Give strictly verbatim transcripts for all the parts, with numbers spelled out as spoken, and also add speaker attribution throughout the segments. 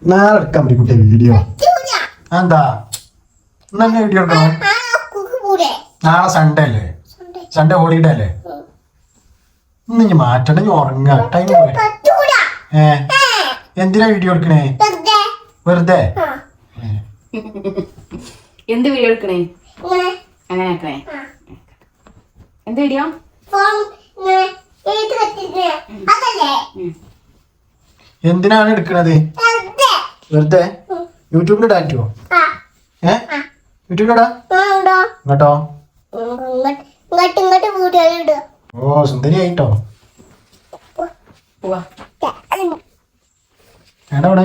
Speaker 1: നാളെ എടുക്കാൻ പറ്റും കുട്ടിയെ വീഡിയോ. എന്താ ഇന്ന് തന്നെ വീഡിയോ എടുക്കണം? നാളെ സൺഡേ അല്ലേ? സൺഡേ ഹോളിഡേ അല്ലേ? ഇന്ന് ഇനി മാറ്റണ്ട, ഇനി ഉറങ്ങാ. ടൈം ഏ എന്തിനാ വീഡിയോ എടുക്കണേ? വെറുതെ
Speaker 2: എന്ത് വീഡിയോ എടുക്കണേ? അങ്ങനെ ആക്കണേ. എന്ത് വീഡിയോ?
Speaker 1: എന്തിനാണ് എടുക്കണത്? വെറുതെ യൂട്യൂബിലിടാൻ പറ്റുമോ? ഏ യൂട്യൂബിലിടാ? ഇങ്ങോട്ടോ? ഓ സുന്ദരി ആയിട്ടോ. എവിടെ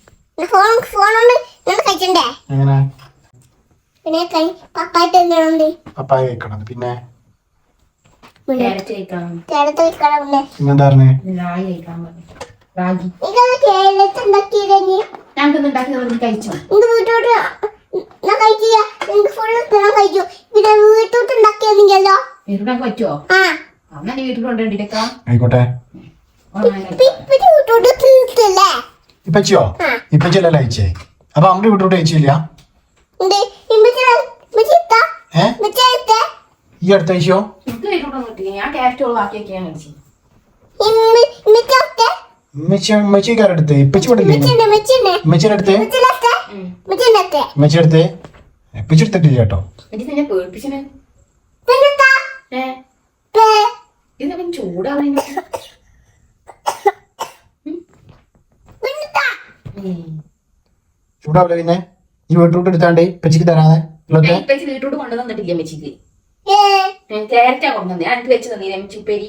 Speaker 1: എങ്ങനെ പപ്പായ കഴിക്കണം? പിന്നെ പിന്നെന്താ പറഞ്ഞേ? ആയിക്കോട്ടെ. ഇപ്പച്ചിയോ? ഇപ്പച്ചിയല്ലേ അയച്ചേ? അപ്പൊ അമ്മ വീട്ടോട്ട് അയച്ചില്ല? ഈ അടുത്ത ആഴ്ചയോ? ഉമ്മച്ചി കാരെടുത്ത് ഇപ്പച്ചി വിടില്ലേ? ഉമ്മച്ചിയുടെ അടുത്ത് ഉമ്മച്ചിയുടെ അടുത്ത് ഇപ്പച്ചി എടുത്തിട്ടില്ല കേട്ടോ. ചൂടാവില്ല. പിന്നെ ഈ വീട്ടോട്ട് എടുത്താണ്ട് ഇപ്പച്ചിക്ക് തരാതെ
Speaker 2: വീട്ടോട്ട് കൊണ്ടുവന്നിട്ടില്ല. മെച്ചിക്ക് ക്യാരറ്റാ കൊണ്ടുവന്നേ. എനിക്ക് വെച്ച് തന്നീ ഉപ്പേരി.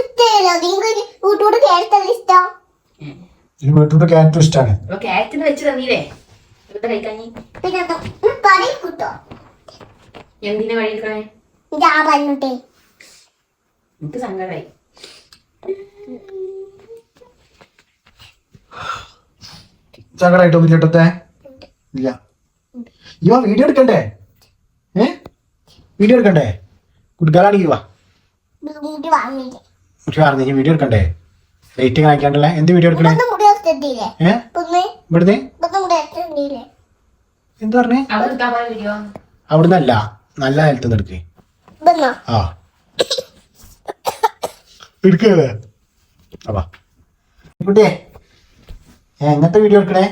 Speaker 1: വീട്ടോട്ട് ക്യാരറ്റും ഇഷ്ടമാണ്.
Speaker 2: ക്യാരറ്റിന് വെച്ച് തന്നീലേ കഴിക്കാൻ. എന്തിനാ കഴിക്കണേ? എനിക്ക് സങ്കടായി.
Speaker 1: സങ്കടായിട്ടോ? ചേട്ടത്തെ ഇല്ല. ഇവ വീഡിയോ എടുക്കണ്ടേ? ഏ വീഡിയോ എടുക്കണ്ടേ? കുട്ടിക്കാലാണെങ്കിൽ വാ പറഞ്ഞ വീഡിയോ എടുക്കണ്ടേ? ലൈറ്റ് കാണിക്കാണ്ടല്ലേ? എന്ത് വീഡിയോ എടുക്കണേ? ഏ ഇവിടുന്ന് എന്താ പറഞ്ഞേ? അവിടുന്നല്ല, നല്ല നേരത്തുനിന്ന് എടുക്കേ. ആ എടുക്കേ. അപ്പാ കുട്ടിയെ എങ്ങനത്തെ വീഡിയോ എടുക്കണേ?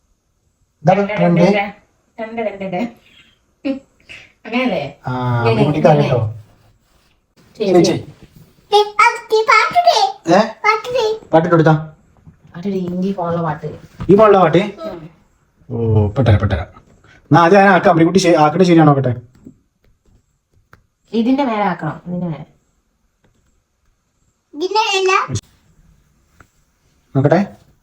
Speaker 1: കുട്ടിക്കോ? പാട്ടിട്ടെടുത്താ ഈ ഫോണിലെ പാട്ട്? ഓ പെട്ടെ പെട്ടെ. എന്നാ അത് ഞാൻ ആക്കാം. കുട്ടി ആക്കട്ടെ. ശരിയാണോ? പെട്ടെ
Speaker 2: ഇതിന്റെ മേലെ ആക്കണം. ഇതിന്റെ മേലെ
Speaker 1: നോക്കട്ടെ.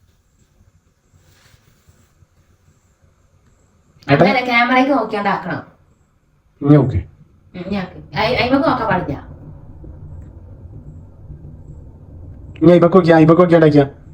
Speaker 2: ക്യാമറയ്ക്ക് നോക്കിയാണ്ട് ആക്കണം.
Speaker 1: ഓക്കെ
Speaker 2: അയിമക്ക് നോക്കാൻ പാടില്ല.
Speaker 1: ഇപ്പൊ നോക്കിയാ ഇപ്പൊ നോക്കിയാണ്ടാക്കിയാ